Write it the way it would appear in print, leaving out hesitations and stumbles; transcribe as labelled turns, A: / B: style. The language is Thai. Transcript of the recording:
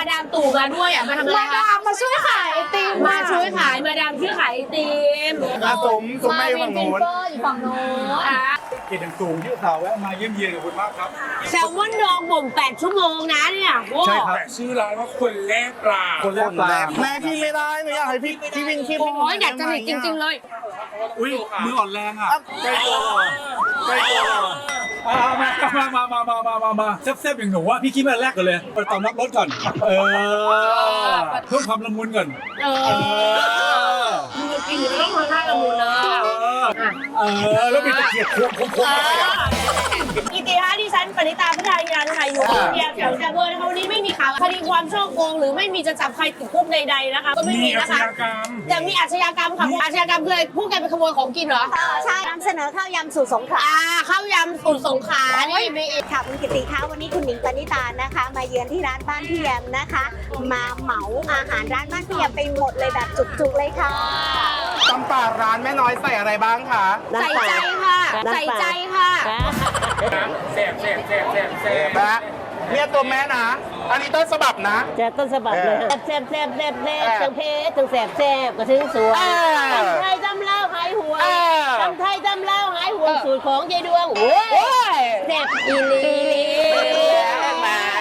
A: ดามตู่มาด้วยอ่ะมาทำอะไร
B: มาดามมาช่วยขายไอติม
A: มาช่วยขายมาดามช่วยขายไอติม
C: สมไม่ฝั่งโน้น
B: อยู่ฝั่งโน้น
A: อ่ะ
C: เกียรติอย่างสูงที่ข่าวแวะมาเยี่ยมเยียนกับคุณมากครับ
A: แซลมอนดองบ่ม8 ชั่วโมงนะเนี่ยโอ้
C: ใช่ครับ
D: แต่ชื่อร้านว่าคนแรกปลา
C: คนแรกปลาแม่พี่ไม่ได้หนูอยากให้พี่วินคิด
A: โหอยากจะเห็นจริงๆเลย
C: อุ้ยมืออ่อนแรงอ่ะใกล้ตัวใกล้ตัวมาแซ่บๆอย่างหนูว่าพี่คิดมาแรกกันเลยไปตอมรับรถก่อนเพิ่มความละมุนก่อน
A: กินไม่ต้องทำท่าละมุนนะ
C: แล้วมีตะเกียบโค้ง
A: กิติฮะดิฉันปณิตาพัฒนายานไทยอยู่เดียแถวแซเบอร์นะคะวันนี้ไม่มีข่าวคดีความช่อโกงหรือไม่มีจะจับใครติดคุกใดๆนะคะก็ไม่มีนะคะแต่มีอาชญากรรมค่ะอาชญากรรมคืออะไรผู้แกไปขโมยของกินเหรอ
B: ใช่นำเสนอข้าวยำสู่สงขลา
A: ข้าวยำสูตรสงขลานี่มี
B: ค่ะคุณกิติคะวันนี้คุณหนิงปณิตานะคะ มาเยือนที่ร้านบ้านพี่แยมนะคะ มาเหมาอาหารร้านบ้านพี่แยมไปหมดเลยแบบจุกๆเลยค่ะ
E: ตำป่าร้านแม่น้อยใส่อะไรบ้างคะ
A: ใส่ใจค่ะใส่ใจค่ะ
D: แซ่บ
E: แม่เนี่ยตัวแม่นะ อันนี้ต้นฉบับนะ
F: จะต้นฉบับเลยแซ่บทั้งเพชรทั้งแซ่บก็ถึงสวยตำไทยตำเล่าหายห่วงตำไทยตำเล่าหายห่วงสูตรของยายดวงโอ้ยแซ่บอีลี